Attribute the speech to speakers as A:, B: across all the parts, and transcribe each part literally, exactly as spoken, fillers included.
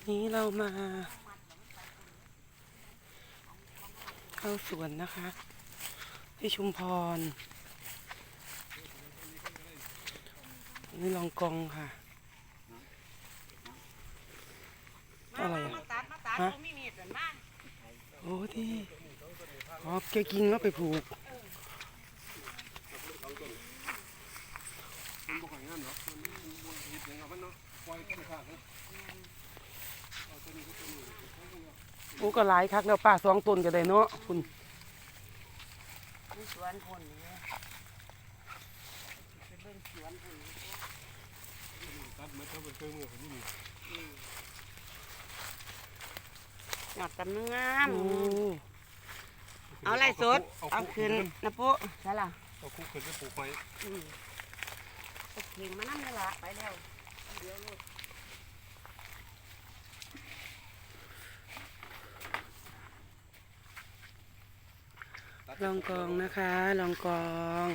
A: นี้เรามาเข้าสวนนะคะที่ชุมพรนี่ลองกองค่ะอะไรอ่ะฮะโอ้ที่อ๋อแกกินแล้วไปผูกโอ้ก็หลายคักแล้วป้าสองต้นก็ได้เนาะคุณ
B: สวนผลนี่ไปเบิ่งสวนผลตัดมาเท่าเป็นเครื่องมือผมนี่หยอดกำลังงามเอาไรสดเอาขึ้นนะปุ๊ใช่ล่ะ
C: เอาคุกขึ้นไปปลูกไว้
B: ตกเข่งมานั่นเลยล่ะไปแล้วเดี๋ยวลูก
A: ลองกองนะคะลองกอง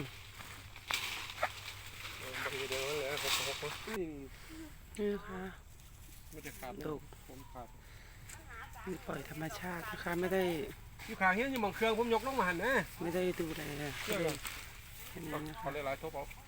A: นี่ค่ะดกมันปล่อยธรรมชาตินะคะไม่ได้
C: อยู่ข้างเฮียอยู่หม่องเครื่องผมยกลงมาหันนะ
A: ไม่ได้ดูแลเห็นไหมนะคะ
C: เขาเลยหลายทบเอา